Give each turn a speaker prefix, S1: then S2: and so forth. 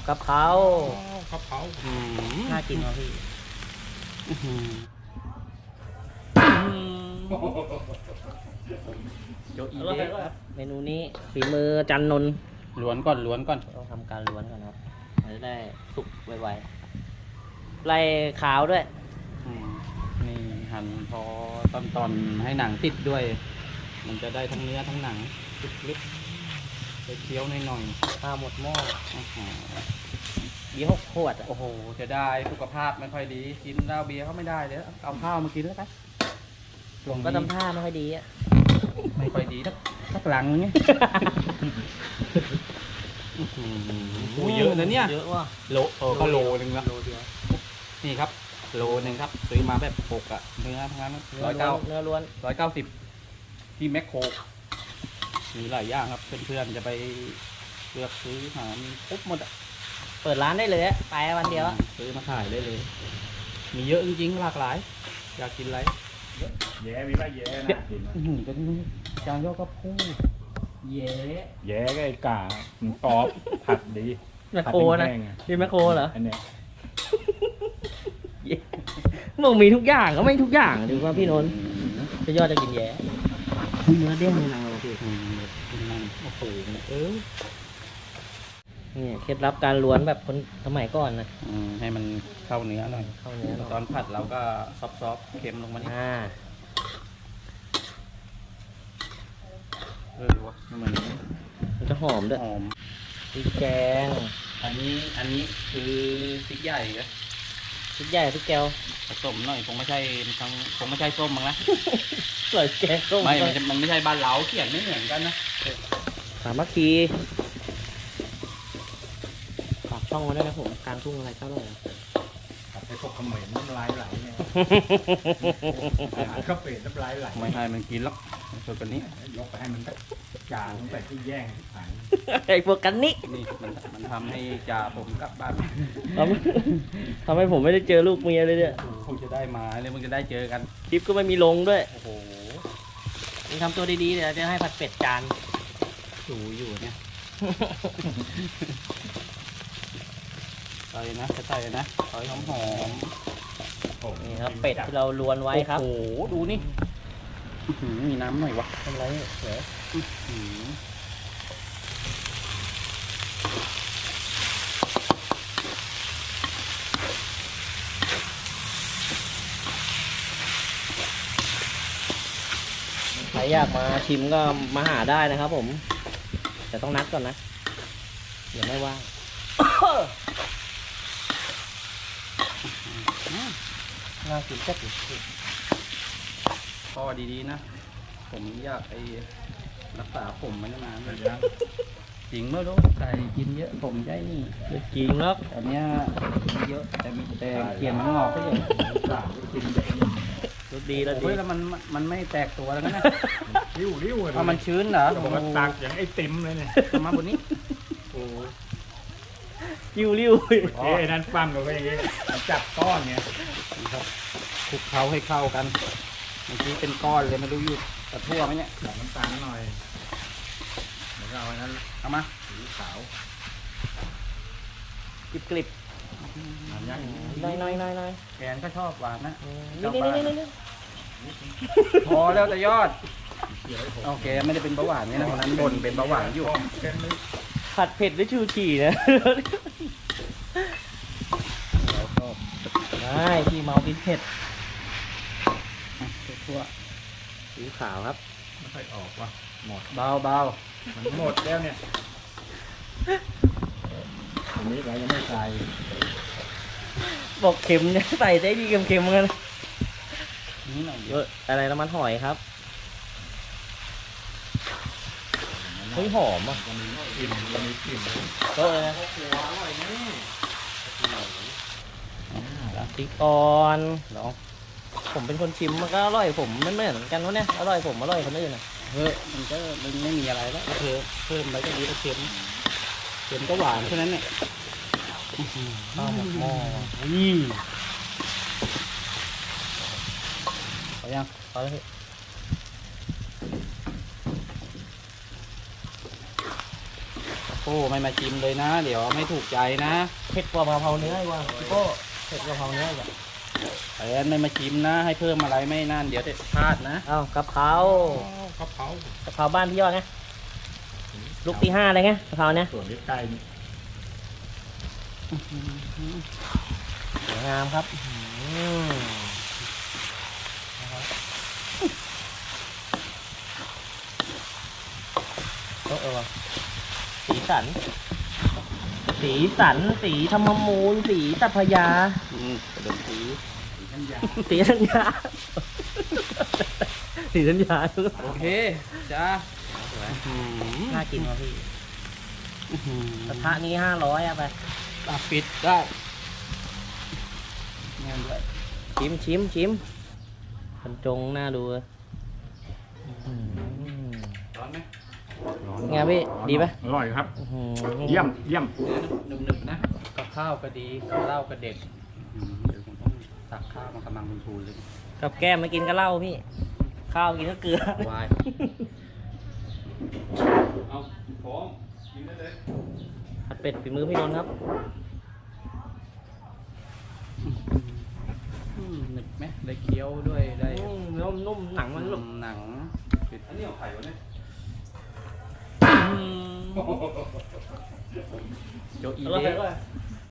S1: กะเพราก
S2: ะเพรา
S1: น่ากินว่ะพี่
S2: โยอี
S1: อร่อย
S2: เด็ก
S1: ครับเมนูนี้ฝีมือจันนนท์
S2: ล้วนก่อนล้วนก่อน
S1: ต้องทำการล้วนก่อนครับจะได้สุกไวๆไล่ขาวด้วย
S2: นี่หั่นพอตอนให้หนังติดด้วย มันจะได้ทั้งเนื้อทั้งหนังลึกๆไปเคี้ยวหน่อย
S1: ข้าวหมดหม้อ
S2: ๆ
S1: เบียร์6 ขวดอ่ะ
S2: โอ้โหจะได้สุขภาพไม่ค่อยดี กินเหล้าเบียร์เขาไม่ได้เลยเอาข้าวมากินแล้วกัน
S1: ผมก็ทำท่าไม่ค่อยดีอ่ะ
S2: ไม่ค่อยดีสักหลังเงี้ยโอ้เยอะนะเนี่ย
S1: เยอะว่ะ
S2: ก็โลนึงละ
S1: โลเดียว
S2: นี่ครับโลนึงครับซื้อมาแบบปกอะเนื้อทั้งนั้น
S1: เนื้อล้วน
S2: 190ที่แมคโครมีหลายอย่างครับเพื่อนๆจะไปเลือกซื้อหามีครบหมดอะ
S1: เปิดร้านได้เลยอะไปวันเดียวอะ
S2: ซื้อมาขายได้เลย มีเยอะจริงๆหลากหลายอยากกินอะไร
S3: แย่มีป่ะแย่นะกิน
S2: จะจานยอดก็พูดเย้
S3: แย่ก็ไอ้กามันกรอบผัดดี
S1: แมคโครนะนี่แมคโครเหรอ
S3: อันเนี้ย
S1: มึงมีทุกอย่างก็ไม่ทุกอย่างดูว่าพี่นนท์จะยอดจะกินแย่เนื้อเด้งในหนังเราพี่
S2: โอ้โห
S1: นี่เคล็ดลับการล้วนแบบคนสมัยก่อนนะ
S2: ให้มันเข้าเนื้อหน่อย
S1: เข้าเนื้อหน่อย
S2: ตอนผัดเราก็ซอฟๆเค็มลงมานิด วะมัน
S1: มันจะหอมด้วย
S2: หอม
S1: พริกแกง
S2: อันนี้คือพริกใหญ่นะ
S1: พริกใหญ่พริกแก้ว
S2: ผสมหน่อยคงไม่ใช่ส้มมั้งนะ
S1: ใส่แกงส้ม
S2: มันไม่ใช่บ้านเราเขียนไม่เหมือนกันนะ
S1: สามัคคีฝากช่องมาด้วยนะผมกลางทุ่งอะไรเจ้าเลย
S3: ผัดไอ้พวกเขมรน้ำลายไหลเนี่ยอาหารก็เปลี่ยนน้ำลายไหล
S2: ไม่ให้มันกินหรอกส่วนกันนี้
S3: ยกไปให้มันจางแต่ที่แย่งที่ผ่าน
S1: ไอ้พวกกันนี่
S2: นี่มันทำให้จ่าผมกลับบ้าน
S1: ทำให้ผมไม่ได้เจอลูกเมียเลยเนี่ย
S2: คงจะได้มาเลยมึงจะได้เจอกัน
S1: คลิปก็ไม่มีลงด้วย
S2: โอ้โห
S1: มึงทำตัวดีๆเดี๋ยวจะให้ผัดเป็ดจาน
S2: อยู่เนี่ยใส่นะใส่นะใส่หอม
S1: นี่ครับเป็ดที่เราล้วนไว้ครับ
S2: โอ้โหดูนี่มีน้ำหน่อยวะ
S1: ทำไรเดี๋ยวใครอยากมาชิมก็มาหาได้นะครับผมแต่ต้องนัดก่อนนะเดี๋ยวไม่ว่างน่ากินจัดเลย
S2: พอดีๆนะผมอยากไปรักษาผมมันนานเลยจริงเมื่อรู้ใส่กินเยอะผมได้นี่
S1: จริงครับ
S2: ตอนเนี้ยเยอะแต่มีแต่เขียนมันงอกก็เยอะ
S1: รสดีแล้วดี
S2: เฮ้ยแล้วมันไม่แตกตัวแล้วนะ
S3: ริ้วเลย
S2: เพราะมันชื้นเหรอ
S3: บอกว่าตักอย่างไอ้ติ๋มเลยเนี่ย
S2: มาบนนี้
S3: โอ้
S1: ริ้วริ้ว
S3: เอ้นั่นปั้มกันไปอย่างงี้จับก้อนเนี่ย
S2: ครับคลุกเคล้าให้เข้ากันเมื่อกี้เป็นก้อนเลยไม่รู้อยู่กระทั่วไหมเนี่ย
S3: ใส่น้ำตาลหน่อยเดี๋ยวเอาอันนั้น
S2: เอามา
S3: สีขาว
S1: กริบกริบ
S3: อันยักษ์
S1: น้อยน้อยน้อยน้อย
S2: แกนก็ชอบหวานนะ
S1: นี่นี่นี่นี่
S2: พอแล้วแต่ยอด
S3: เขียวให้ผม
S2: โอเคไม่ได้เป็นเบาหวานนี่นะคนนั้นบ่นเป็นเบาหวานอยู่
S3: เป็นเลย
S1: ผัดเผ็ดด้วยชูชีนะ
S2: แล้วก็
S1: ได้พี่เมากินเผ็ด
S2: ทั่ว
S1: สีขาวครับ
S3: ไม่ค่อยออกว่ะหมด
S2: เบาเบา
S3: มันหมดแล้วเนี่ยอันนี้เรายังไม่ใส่
S1: บอกเค็มเนี่ยใส่ได้ดีเค็มๆเหมือนกัน
S2: นี่หน่อยเดี
S1: เย
S2: ยว
S1: อะอะไรน้ำมันหอยครับเฮ้ยหอมอ่ะ
S3: วันนี้กลิ่นเลย
S1: โต๊ะเลยนะ
S2: อร่อยนี่
S1: พริกอ่อนลองผมเป็นคนชิมมันก็อร่อยผมไม่เหมือนกันวะเนี่ยอร่อยผมอร่อยคนอื่นนะ
S2: มันไม่มีอะไรแล้วเพิ่มไปก็ดีแล้วเค็มก็หวานเท่านั้นเนี่ย
S1: ข้าวหมกหม้อ
S2: พอยัง
S1: พอแล้วพี่
S2: โอ้ไม่มาชิมเลยนะ เดี๋ยวไม่ถูกใจนะ
S1: เผ็ดกว่ากะเพราเนื้ออีกว่าพี่โก้เผ็ดกว่ากะเพราเนื้ออีกอะ
S2: แฟนไม่มาชิมนะ ให้เพิ่มอะไรไม่นั่น เดี๋ยวจะพลาดนะ
S1: เอ้ากะเพราก
S3: ะเพราก
S1: ะเพราบ้านพี่ยอดไงลูกที่5เลยไงกะเพราเนี้ย
S3: ส่วนใกล้ๆนี่
S1: สวยงามครับว่ะสีสัน สีสัน สีธรรมมูล สีตัพยา
S2: กระดมสี
S3: ท่านยา
S1: สีธัญญา สีธัญญา
S2: โอเค จ้า
S1: น่ากินว่ะพี่กระทะนี้500อะไป
S2: ปิดได้เงินด้วย
S1: ชิมบรรจงน่าดูเลย
S2: ร้อนไหม
S1: ไงพี่ดีไหม
S3: อร่อยครับ เยี่ยม
S2: หนึบๆนะกับข้าวก็ดีกับเหล้าก็เด็ดเดี๋ยวผมต้องตักข้าวมากำลังทูนเลย
S1: กับแก้มมากินก็เหล้าพี่ ข้าวกินก็เกลือ
S2: วายเอาพร้อมกินได้เลย
S1: ผัดเป็ดฝีมือพี่นนท์ครับ
S2: หนึบไหมได้เคี้ยวด้วยได้
S1: เนื้อนุ่มหนังมันหลุด
S2: หนังอันนี้เอาไข่วะเนี่ยโจอี
S1: อร่อย
S2: เด้
S1: เลย